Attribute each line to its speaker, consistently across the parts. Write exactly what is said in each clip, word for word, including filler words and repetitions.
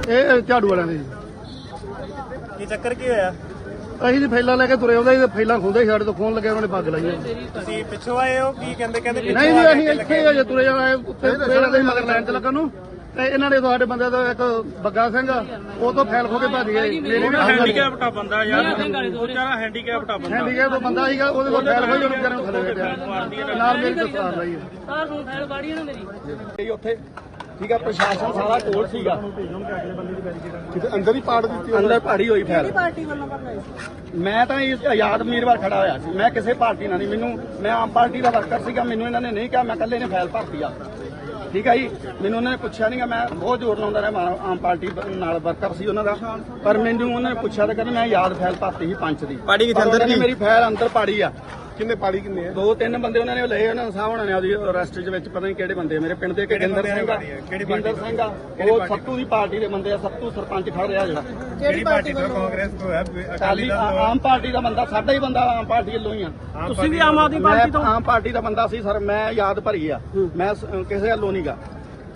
Speaker 1: ਇਹ ਝਾੜੂ ਵਾਲਿਆਂ ਦੇ
Speaker 2: ਕੀ ਚੱਕਰ ਕੀ ਹੋਇਆ?
Speaker 1: ਅਸੀਂ ਜੀ ਫੈਲਾ ਲੈ ਕੇ ਤੁਰੇ ਆਉਂਦੇ ਸੀ, ਫੈਲਾ ਖੁੰਦੇ ਸੀ ਸਾਡੇ ਤੋਂ, ਖੋਣ ਲੱਗੇ ਉਹਨਾਂ ਨੇ ਪੱਗ ਲਾਈ।
Speaker 2: ਤੁਸੀਂ ਪਿੱਛੋਂ ਆਏ ਹੋ? ਕੀ ਕਹਿੰਦੇ ਕਹਿੰਦੇ
Speaker 1: ਨਹੀਂ ਜੀ ਅਸੀਂ ਇੱਥੇ ਅਜੇ ਤੁਰੇ ਆਏ, ਉੱਤੇ ਤੁਰੇ ਜਾਂਦੇ ਸੀ ਮਗਰ ਲਾਈਨ 'ਚ ਲੱਗਣ ਨੂੰ, ਤੇ ਇਹਨਾਂ ਨੇ ਸਾਡੇ ਬੰਦੇ ਦਾ ਇੱਕ ਬੱਗਾ ਸਿੰਘ ਉਹ ਤੋਂ ਫੈਲ ਖੋ ਕੇ ਭੱਜ ਗਏ।
Speaker 2: ਹੈਂਡੀਕੈਪਟਾ ਬੰਦਾ ਯਾਰ, ਉਹ ਵਿਚਾਰਾ ਹੈਂਡੀਕੈਪਟਾ ਬੰਦਾ
Speaker 1: ਹੈਂਡੀਕੈਪ ਬੰਦਾ ਸੀਗਾ, ਉਹਦੇ ਤੋਂ ਫੈਲ ਖੋਈ ਉਹਨੂੰ ਵਿਚਾਰੇ ਨੂੰ ਥੱਲੇ ਬੈਠਿਆ ਨਾਲ ਮੇਰੀ ਦਸਤਾਰ ਲਾਈ
Speaker 3: ਸਾਰ ਨੂੰ ਫੈਲ ਬਾੜੀ ਨਾ ਮੇਰੀ
Speaker 4: ਉੱਥੇ ਠੀਕ ਆ, ਪ੍ਰਸ਼ਾਸਨ ਸਾਰਾ ਕੋਲ ਸੀਗਾ,
Speaker 1: ਅੰਦਰ ਹੀ ਪਾੜ ਦਿੱਤੀ,
Speaker 4: ਅੰਦਰ ਪਾੜੀ ਹੋਈ ਫੈਲ।
Speaker 3: ਪਾਰਟੀ ਵੱਲੋਂ ਕਰਨਾ
Speaker 4: ਮੈਂ ਤਾਂ ਇਸ ਆਜ਼ਾਦ ਉਮੀਦਵਾਰ ਖੜਾ ਹੋਇਆ ਸੀ, ਮੈਂ ਕਿਸੇ ਪਾਰਟੀ ਨਾਲ ਨਹੀਂ, ਮੈਨੂੰ ਮੈਂ ਆਮ ਪਾਰਟੀ ਦਾ ਵਰਕਰ ਸੀਗਾ, ਮੈਨੂੰ ਇਹਨਾਂ ਨੇ ਨਹੀਂ ਕਿਹਾ, ਮੈਂ ਇਕੱਲੇ ਨੇ ਫੈਲ ਭਰਤੀ ਆ। ਠੀਕ ਹੈ ਜੀ, ਮੈਨੂੰ ਉਹਨਾਂ ਨੇ ਪੁੱਛਿਆ ਨਹੀਂ, ਮੈਂ ਬਹੁਤ ਜ਼ੋਰ ਲਾਉਂਦਾ ਰਿਹਾ, ਆਮ ਪਾਰਟੀ ਨਾਲ ਵਰਕਰ ਸੀ ਉਹਨਾਂ ਦਾ, ਪਰ ਮੈਨੂੰ ਉਹਨਾਂ ਨੇ ਪੁੱਛਿਆ ਤਾਂ ਕਹਿੰਦੇ ਮੈਂ ਆਜ਼ਾਦ ਫੈਲ ਭਰਤੀ ਸੀ ਪੰਚ ਦੀ।
Speaker 2: ਪਾੜੀ ਕਿੱਥੇ ਅੰਦਰ ਦੀ?
Speaker 4: ਮੇਰੀ ਫੈਲ ਅੰਦਰ ਪਾੜੀ ਆ।
Speaker 1: ਕਿੰਨੇ ਪਾੜੀ ਕਿੰਨੇ ਆ?
Speaker 4: ਦੋ ਤਿੰਨ ਬੰਦੇ ਉਹਨਾਂ ਨੇ ਲਏ, ਉਹਨਾਂ ਸਾਹ ਹੋਣਾ ਨੇ ਉਹਦੀ ਅਰੈਸਟ ਦੇ ਵਿੱਚ, ਪਤਾ ਨਹੀਂ ਕਿਹੜੇ ਬੰਦੇ, ਮੇਰੇ ਪਿੰਡ ਦੇ ਗਿੰਦਰ ਸਿੰਘ ਆ, ਗਿੰਦਰ ਸਿੰਘ ਆ, ਉਹ ਸੱਤੂ ਦੀ ਪਾਰਟੀ ਦੇ ਬੰਦੇ ਆ, ਸੱਤੂ ਸਰਪੰਚ ਖੜ ਰਿਹਾ ਜਿਹੜਾ।
Speaker 2: ਕਿਹੜੀ ਪਾਰਟੀ ਤੋਂ? ਕਾਂਗਰਸ ਤੋਂ ਹੈ, ਅਕਾਲੀ ਦਲ ਤੋਂ?
Speaker 4: ਆਮ ਪਾਰਟੀ ਦਾ ਬੰਦਾ, ਸਾਡਾ ਹੀ ਬੰਦਾ ਆਮ ਪਾਰਟੀ ਵੱਲੋਂ ਹੀ ਆ।
Speaker 3: ਤੁਸੀਂ ਵੀ ਆਮ ਆਦਮੀ ਪਾਰਟੀ ਤੋਂ?
Speaker 4: ਆਮ ਪਾਰਟੀ ਦਾ ਬੰਦਾ ਸੀ ਸਰ, ਮੈਂ ਯਾਦ ਭਰੀ ਆ, ਮੈਂ ਕਿਸੇ ਵੱਲੋਂ ਨਹੀਂ ਗਾ।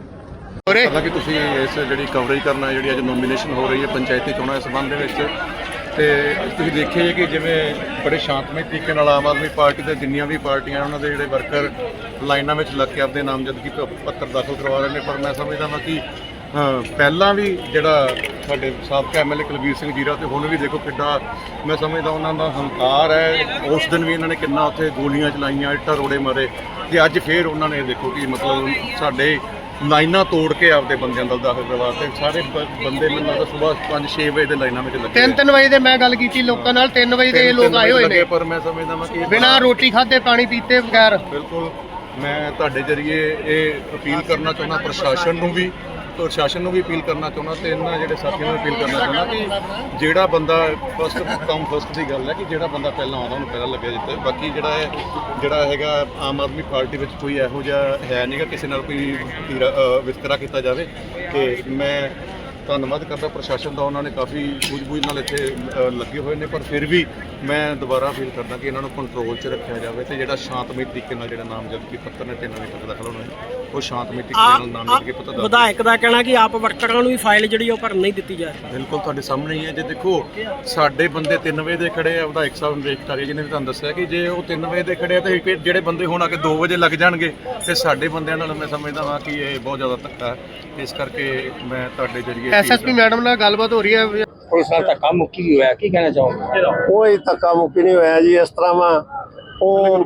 Speaker 5: ਹਾਲਾਂਕਿ ਤੁਸੀਂ ਇਸ ਜਿਹੜੀ ਕਵਰੇਜ ਕਰਨਾ, ਜਿਹੜੀ ਅੱਜ ਨੋਮੀਨੇਸ਼ਨ ਹੋ ਰਹੀ ਹੈ ਪੰਚਾਇਤੀ ਚੋਣਾਂ ਦੇ ਸੰਬੰਧ ਦੇ ਵਿੱਚ, ਤੇ ਤੁਸੀਂ ਦੇਖਿਆ ਕਿ ਜਿਵੇਂ ਬੜੇ ਸ਼ਾਂਤਮਈ ਤਰੀਕੇ ਨਾਲ ਆਮ ਆਦਮੀ ਪਾਰਟੀ ਦੇ ਜਿੰਨੀਆਂ ਵੀ ਪਾਰਟੀਆਂ ਉਹਨਾਂ ਦੇ ਜਿਹੜੇ ਵਰਕਰ ਲਾਈਨਾਂ ਵਿੱਚ ਲੱਗ ਕੇ ਆਪਣੇ ਨਾਮਜ਼ਦਗੀ ਪੱਤਰ ਦਾਖਲ ਕਰਵਾ ਰਹੇ ਨੇ, ਪਰ ਮੈਂ ਸਮਝਦਾ ਹਾਂ ਕਿ ਪਹਿਲਾਂ ਵੀ ਜਿਹੜਾ ਸਾਡੇ ਸਾਬਕਾ M L A Kulbir Singh Zira ਤੇ ਹੁਣ ਵੀ ਦੇਖੋ ਕਿੱਡਾ ਮੈਂ ਸਮਝਦਾ ਉਹਨਾਂ ਦਾ ਹੰਕਾਰ ਹੈ। ਉਸ ਦਿਨ ਵੀ ਇਹਨਾਂ ਨੇ ਕਿੰਨਾ ਉੱਥੇ ਗੋਲੀਆਂ ਚਲਾਈਆਂ, ਇੱਟਾਂ ਰੋੜੇ ਮਾਰੇ, ਤੇ ਅੱਜ ਫੇਰ ਉਹਨਾਂ ਨੇ ਦੇਖੋ ਕਿ ਮਤਲਬ ਸਾਡੇ ਲਾਈਨਾਂ ਤੋੜ ਕੇ ਆਪਦੇ ਬੰਦਿਆਂ ਦਾ ਦਾਖਲ ਕਰਵਾ ਤੇ ਸਾਰੇ ਬੰਦੇ ਮੈਨੂੰ ਲੱਗਦਾ ਸਵੇਰ ਪੰਜ ਛੇ ਵਜੇ ਦੇ ਲਾਈਨਾਂ ਵਿੱਚ ਲੱਗੇ।
Speaker 1: ਤਿੰਨ ਤਿੰਨ ਵਜੇ ਦੇ ਮੈਂ ਗੱਲ ਕੀਤੀ ਲੋਕਾਂ ਨਾਲ, ਤਿੰਨ ਵਜੇ ਦੇ ਲੋਕ ਆਏ ਹੋਏ ਨੇ,
Speaker 5: ਪਰ ਮੈਂ ਸਮਝਦਾ ਹਾਂ ਕਿ
Speaker 1: ਬਿਨਾਂ ਰੋਟੀ ਖਾਧੇ ਪਾਣੀ ਪੀਤੇ ਬਗੈਰ।
Speaker 5: ਬਿਲਕੁਲ ਮੈਂ ਤੁਹਾਡੇ ਜਰੀਏ ਇਹ ਅਪੀਲ ਕਰਨਾ ਚਾਹੁੰਦਾ ਪ੍ਰਸ਼ਾਸਨ ਨੂੰ ਵੀ, ਪ੍ਰਸ਼ਾਸਨ ਨੂੰ ਵੀ ਅਪੀਲ ਕਰਨਾ ਚਾਹੁੰਦਾ ਤੇ ਇਹਨਾਂ ਜਿਹੜੇ ਸਾਥੀਆਂ ਨੂੰ ਅਪੀਲ ਕਰਨਾ ਚਾਹੁੰਦਾ ਕਿ ਜਿਹੜਾ ਬੰਦਾ ਫਸਟ ਕਮ ਫਸਟ ਦੀ ਗੱਲ ਹੈ ਕਿ ਜਿਹੜਾ ਬੰਦਾ ਪਹਿਲਾਂ ਆਉਂਦਾ ਉਹਨੂੰ ਪਹਿਲਾਂ ਲੱਗਿਆ ਜਿੱਤੇ। ਬਾਕੀ ਜਿਹੜਾ ਹੈ ਜਿਹੜਾ ਹੈਗਾ ਆਮ ਆਦਮੀ ਪਾਰਟੀ ਵਿੱਚ ਕੋਈ ਇਹੋ ਜਿਹਾ ਹੈ ਨਹੀਂਗਾ ਕਿਸੇ ਨਾਲ ਕੋਈ ਵਿਤਕਰਾ ਕੀਤਾ ਜਾਵੇ। ਤੇ ਮੈਂ ਧੰਨਵਾਦ ਕਰਦਾ ਪ੍ਰਸ਼ਾਸਨ ਦਾ, ਉਹਨਾਂ ਨੇ ਕਾਫੀ ਸੂਝ-ਬੂਝ ਨਾਲ ਇੱਥੇ ਲੱਗੇ ਹੋਏ ਨੇ, ਪਰ ਫਿਰ ਵੀ ਮੈਂ ਦੁਬਾਰਾ ਅਪੀਲ ਕਰਦਾ ਕਿ ਇਹਨਾਂ ਨੂੰ ਕੰਟਰੋਲ 'ਚ ਰੱਖਿਆ ਜਾਵੇ ਤੇ ਜਿਹੜਾ ਸ਼ਾਂਤਮਈ ਤਰੀਕੇ ਨਾਲ ਜਿਹੜਾ ਨਾਮਜ਼ਦਗੀ ਪੱਤਰ ਨੇ ਤਿੰਨ ਵਜੇ ਤੱਕ ਦਾਖਲ ਹੋਣਾ ਉਹ ਸ਼ਾਂਤਮਈ ਤਰੀਕੇ ਨਾਲ ਨਾਮਜ਼ਦਗੀ ਪੱਤਰ ਦਾਖਲ।
Speaker 3: ਵਿਧਾਇਕ ਦਾ ਕਹਿਣਾ ਕਿ ਆਪ ਵਰਕਰਾਂ ਨੂੰ ਵੀ ਫਾਈਲ ਜਿਹੜੀ ਉਹ ਭਰਨ ਨਹੀਂ ਦਿੱਤੀ ਜਾ ਰਹੀ।
Speaker 5: ਬਿਲਕੁਲ ਤੁਹਾਡੇ ਸਾਹਮਣੇ ਹੀ ਹੈ, ਜੇ ਦੇਖੋ ਸਾਡੇ ਬੰਦੇ ਤਿੰਨ ਵਜੇ ਦੇ ਖੜੇ ਆ, ਵਿਧਾਇਕ ਸਾਹਿਬ ਨੂੰ ਦੇਖ ਕਰ ਜਿਹਨੇ ਵੀ ਤੁਹਾਨੂੰ ਦੱਸਿਆ ਕਿ ਜੇ ਉਹ ਤਿੰਨ ਵਜੇ ਦੇ ਖੜੇ ਆ ਤੇ ਜਿਹੜੇ ਬੰਦੇ ਹੁਣ ਆ ਕੇ ਦੋ ਵਜੇ ਲੱਗ ਜਾਣਗੇ ਤੇ ਸਾਡੇ ਬੰਦਿਆਂ ਨਾਲ ਮੈਂ ਸਮਝਦਾ ਹਾਂ ਕਿ ਇਹ ਬਹੁਤ ਜ਼ਿਆਦਾ ਧੱਕਾ ਹੈ। ਇਸ ਕਰਕੇ ਮੈਂ ਤੁਹਾਡੇ ਜਰੀਏ
Speaker 1: ਐਸਐਸਪੀ ਮੈਡਮ ਨਾਲ ਗੱਲਬਾਤ ਹੋ ਰਹੀ ਹੈ।
Speaker 6: ਕੋਈ ਸਾਲ ਧੱਕਾ ਮੁੱਕੀ ਹੋਇਆ, ਕੀ ਕਹਿਣਾ ਚਾਹੋਗੇ?
Speaker 7: ਕੋਈ ਧੱਕਾ ਮੁੱਕੀ ਨਹੀਂ ਹੋਇਆ ਜੀ। ਇਸ ਤਰ੍ਹਾਂ ਵਾ ਉਹ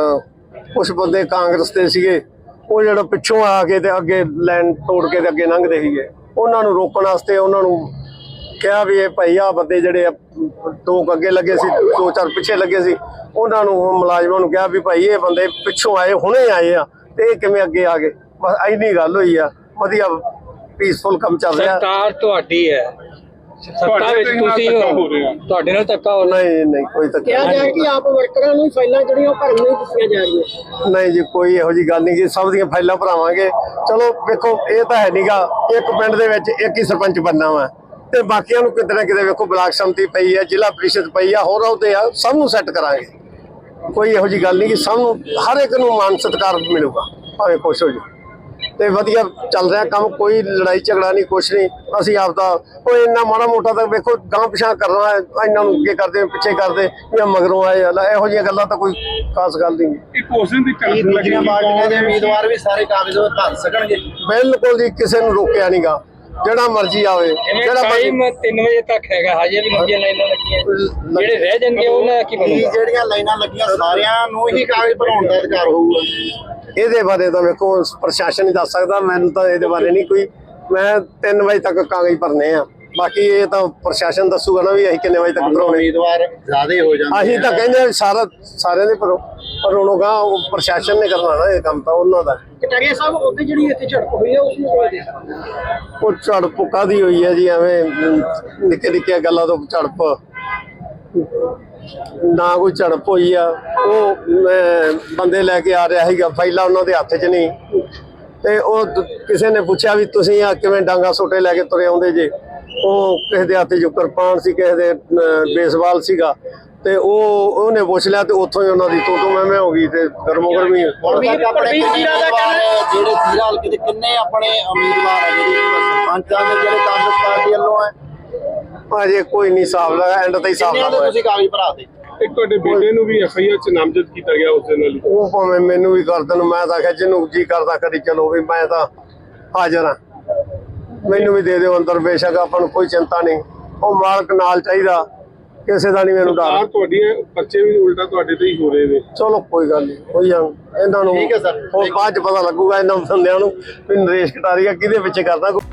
Speaker 7: ਕੁਛ ਬੰਦੇ ਕਾਂਗਰਸ ਦੇ ਸੀਗੇ, ਉਹ ਜਿਹੜਾ ਪਿੱਛੋਂ ਆ ਕੇ ਤੇ ਅੱਗੇ ਲਾਈਨ ਤੋੜ ਕੇ ਤੇ ਅੱਗੇ ਲੰਘਦੇ ਸੀਗੇ, ਉਹਨਾਂ ਨੂੰ ਰੋਕਣ ਵਾਸਤੇ ਉਹਨਾਂ ਨੂੰ ਕਿਹਾ ਵੀ ਇਹ ਭਾਈ ਆ ਬੰਦੇ ਜਿਹੜੇ ਦੋ ਅੱਗੇ ਲੱਗੇ ਸੀ, ਦੋ ਚਾਰ ਪਿੱਛੇ ਲੱਗੇ ਸੀ, ਉਹਨਾਂ ਨੂੰ ਮੁਲਾਜ਼ਮਾਂ ਨੂੰ ਕਿਹਾ ਵੀ ਭਾਈ ਇਹ ਬੰਦੇ ਪਿੱਛੋਂ ਆਏ, ਹੁਣੇ ਆਏ ਆ ਤੇ ਇਹ ਕਿਵੇਂ ਅੱਗੇ ਆ ਗਏ। ਬਸ ਇੰਨੀ ਗੱਲ ਹੋਈ ਆ, ਵਧੀਆ ਪੀਸਫੁਲ ਕੰਮ ਚੱਲ ਰਿਹਾ।
Speaker 6: ਸਰਕਾਰ ਤੁਹਾਡੀ ਹੈ, ਸੱਤਾ ਵਿੱਚ ਤੁਸੀਂ ਹੋ, ਤੁਹਾਡੇ ਨਾਲ ਧੱਕਾ ਹੋ?
Speaker 7: ਨਹੀਂ ਨਹੀਂ ਕੋਈ ਧੱਕਾ
Speaker 3: ਕਿਹਾ ਜਾਏ ਕਿ ਆਪ ਵਰਕਰਾਂ ਨੂੰ ਫਾਈਲਾਂ ਜਿਹੜੀਆਂ ਉਹ ਭਰਨ ਨਹੀਂ ਦਿੱਤੀਆਂ ਜਾ ਰਹੀਆਂ।
Speaker 7: ਨਹੀਂ ਜੀ, ਕੋਈ ਇਹੋ ਜੀ ਗੱਲ ਨਹੀਂ ਕਿ ਸਭ ਦੀਆਂ ਫਾਈਲਾਂ ਭਰਾਵਾਂਗੇ। ਚਲੋ ਵੇਖੋ ਇਹ ਤਾਂ ਹੈ ਨੀਗਾ, ਇੱਕ ਪਿੰਡ ਦੇ ਵਿੱਚ ਇੱਕ ਹੀ ਸਰਪੰਚ ਬਣਨਾ ਵਾ ਤੇ ਬਾਕੀਆਂ ਨੂੰ ਕਿਤੇ ਨਾ ਕਿਤੇ ਵੇਖੋ ਬਲਾਕ ਸੰਮਤੀ ਪਈ ਹੈ, ਜ਼ਿਲ੍ਹਾ ਪ੍ਰੀਸ਼ਦ ਪਈ ਆ, ਹੋਰ ਅਹੁਦੇ ਆ, ਸਭ ਨੂੰ ਸੈੱਟ ਕਰਾਂਗੇ। ਕੋਈ ਇਹੋ ਜੀ ਗੱਲ ਨਹੀਂ ਕਿ ਸਭ ਨੂੰ ਹਰ ਇੱਕ ਨੂੰ ਮਾਨ ਸਤਿਕਾਰ ਮਿਲੂਗਾ ਭਾਵੇਂ ਕੁਛ ਹੋ ਜਾਵੇ। ਤੇ ਵਧੀਆ ਚੱਲ ਰਿਹਾ ਕੰਮ, ਕੋਈ ਲੜਾਈ ਝਗੜਾ ਨਹੀਂ, ਕੁਛ ਨਹੀਂ। ਅਸੀਂ ਆਪਦਾ ਕੋਈ ਇੰਨਾ ਮਾੜਾ ਮੋਟਾ ਤਾਂ ਵੇਖੋ ਗਾਂਹ ਪਿਛਾਂ ਕਰਨਾ ਹੈ, ਇਹਨਾਂ ਨੂੰ ਅੱਗੇ ਕਰਦੇ ਪਿੱਛੇ ਕਰਦੇ ਜਾਂ ਮਗਰੋਂ ਆਏ, ਇਹੋ ਜਿਹੀਆਂ ਗੱਲਾਂ ਤਾਂ ਕੋਈ ਖਾਸ ਗੱਲ ਨਹੀਂ।
Speaker 4: ਇੱਕ ਉਸ ਦਿਨ ਦੀ ਟੈਨਸ਼ਨ ਲੱਗੀ, ਪਾਰਟੀਆਂ ਦੇ ਉਮੀਦਵਾਰ ਵੀ ਸਾਰੇ ਕਾਗਜ਼ ਭਰ ਸਕਣਗੇ?
Speaker 7: ਬਿਲਕੁਲ ਜੀ, ਕਿਸੇ ਨੂੰ ਰੋਕਿਆ ਨਹੀਂਗਾ, ਜਿਹੜਾ ਮਰਜ਼ੀ ਆਵੇ।
Speaker 6: ਜਿਹੜਾ ਟਾਈਮ ਤਿੰਨ ਵਜੇ ਤੱਕ ਹੈਗਾ, ਹਜੇ ਵੀ ਲੰਬੀਆਂ ਲਾਈਨਾਂ ਲੱਗੀਆਂ, ਜਿਹੜੇ ਰਹਿ ਜਾਣਗੇ ਉਹਨਾਂ ਦਾ ਕੀ ਬਣੂਗਾ?
Speaker 4: ਜਿਹੜੀਆਂ ਲਾਈਨਾਂ ਲੱਗੀਆਂ ਸਾਰਿਆਂ ਨੂੰ ਹੀ ਕਾਗਜ਼ ਭਰਾਉਣ ਦਾ ਅਧਿਕਾਰ ਹੋਊਗਾ।
Speaker 7: ਇਹਦੇ ਬਾਰੇ ਤਾਂ ਵੇਖੋ ਪ੍ਰਸ਼ਾਸਨ ਹੀ ਦੱਸ ਸਕਦਾ, ਮੈਨੂੰ ਤਾਂ ਇਹਦੇ ਬਾਰੇ ਨਹੀਂ ਕੋਈ। ਮੈਂ ਤਿੰਨ ਵਜੇ ਤੱਕ ਕਾਗਜ਼ ਭਰਨੇ ਆ, ਬਾਕੀ ਇਹ ਤਾਂ ਪ੍ਰਸ਼ਾਸਨ ਦੱਸੂਗਾ ਨਾ ਵੀ ਅਸੀਂ ਕਿੰਨੇ ਵਜੇ ਤੱਕ ਭਰਾਉਣੇ।
Speaker 4: ਉਮੀਦਵਾਰ ਜ਼ਿਆਦਾ ਹੋ ਜਾਂਦੇ, ਅਸੀਂ
Speaker 7: ਤਾਂ ਕਹਿੰਦੇ ਸਾਰਾ ਸਾਰਿਆਂ ਦੇ ਭਰੋ, ਪਰ ਹੁਣ ਗਾ ਉਹ ਪ੍ਰਸ਼ਾਸਨ ਨੇ ਕਰਨਾ ਨਾ ਇਹ ਕੰਮ, ਤਾਂ ਉਹਨਾਂ ਦਾ।
Speaker 3: ਕਟਾਰੀਆ ਸਾਹਿਬ ਉਹਦੇ ਜਿਹੜੀ ਇੱਥੇ ਝੜਪ ਹੋਈ ਹੈ ਉਸ ਨੂੰ ਕਿਵੇਂ ਦੇਖਦੇ?
Speaker 7: ਉਹ ਝੜਪ ਕਾਹਦੀ ਹੋਈ ਹੈ ਜੀ, ਐਵੇਂ ਨਿੱਕੇ ਨਿੱਕੀਆਂ ਗੱਲਾਂ ਤੋਂ ਝੜਪ ਨਾ ਕੋਈ ਝੜਪ ਹੋਈ ਆ। ਉਹ ਬੰਦੇ ਲੈ ਕੇ ਆ ਰਿਹਾ ਸੀਗਾ, ਫਾਈਲਾਂ ਉਹਨਾਂ ਦੇ ਹੱਥ 'ਚ ਨਹੀਂ, ਤੇ ਉਹ ਕਿਸੇ ਨੇ ਪੁੱਛਿਆ ਵੀ ਤੁਸੀਂ ਆ ਕਿਵੇਂ ਡਾਂਗਾ ਸੋਟੇ ਲੈ ਕੇ ਤੁਰੇ ਆਉਂਦੇ ਜੇ। ਉਹ ਕਿਸੇ ਦੇ ਹੱਥ 'ਚ ਕਿਰਪਾਨ ਸੀ, ਕਿਸੇ ਦੇ ਬੇਸਬਾਲ ਸੀਗਾ, ਤੇ ਉਹ ਉਹਨੇ ਪੁੱਛ ਲਿਆ ਤੇ ਉੱਥੋਂ ਹੀ ਉਹਨਾਂ ਦੀ ਤੂੰ ਤੂੰ ਮੈਂ ਮੈਂ ਹੋ ਗਈ ਤੇ ਗਰਮੋ ਗਰਮੀ
Speaker 3: ਹੁਣ ਤੱਕ ਆਪਣੇ ਜੀਰਾ ਦਾ ਕਹਿੰਦੇ ਜਿਹੜੇ ਜੀਰਾ ਹਲਕੇ ਦੇ ਕਿੰਨੇ ਆਪਣੇ ਉਮੀਦਵਾਰ ਆ ਜਿਹੜੇ ਸਰਪੰਚਾਂ ਦੇ ਜਿਹੜੇ ਕਾਂਗਰਸ ਪਾਰਟੀ ਵੱਲੋਂ ਹੈ
Speaker 7: ਅਜੇ ਕੋਈ ਨਹੀਂ ਹਿਸਾਬ ਲਗਾ ਐਂਡ ਤੇ ਹਿਸਾਬ
Speaker 3: ਕਿੰਨੇ ਦੇ
Speaker 7: ਲਗਾ
Speaker 3: ਤੁਸੀਂ ਕਾਗਜ਼ ਭਰਾ ਦੇ
Speaker 8: ਇੱਕ ਤੁਹਾਡੇ ਬੇਟੇ ਨੂੰ ਵੀ ਐਫ ਆਈ ਆਰ ਚ ਨਾਮਜ਼ਦ ਕੀਤਾ ਗਿਆ ਉਸ ਦੇ ਨਾਲ ਹੀ।
Speaker 7: ਉਹ ਭਾਵੇਂ ਮੈਨੂੰ ਵੀ ਕਰ ਦੇਣ ਮੈਂ ਤਾਂ ਆਖਿਆ ਜਿਹਨੂੰ ਜੀ ਕਰਦਾ ਕਰੀ ਚਲੋ ਵੀ ਮੈਂ ਤਾਂ ਹਾਜ਼ਰ ਹਾਂ ਮੈਨੂੰ ਵੀ ਦੇ ਦਿਓ ਅੰਦਰ ਬੇਸ਼ੱਕ ਆਪਾਂ ਨੂੰ ਕੋਈ ਚਿੰਤਾ ਨਹੀਂ ਉਹ ਮਾਲਕ ਨਾਲ ਚਾਹੀਦਾ ਕਿਸੇ ਦਾ ਨਹੀਂ ਮੈਨੂੰ
Speaker 8: ਸਰਕਾਰ
Speaker 7: ਡਰ
Speaker 8: ਤੁਹਾਡੀਆਂ ਬੱਚੇ ਵੀ ਉਲਟਾ ਤੁਹਾਡੇ ਤੇ ਹੀ ਹੋ ਰਹੇ ਨੇ।
Speaker 7: ਚਲੋ ਕੋਈ ਗੱਲ ਨਹੀਂ ਹੋਈ ਜਾਣ ਇਹਨਾਂ ਨੂੰ
Speaker 3: ਠੀਕ ਹੈ ਸਰ।
Speaker 7: ਉਹ ਬਾਅਦ ਚ ਪਤਾ ਲੱਗੂਗਾ ਇਹਨਾਂ ਬੰਦਿਆਂ ਨੂੰ ਵੀ ਨਰੇਸ਼ ਕਟਾਰੀਆ ਕਿਹਦੇ ਪਿੱਛੇ ਕਰਦਾ।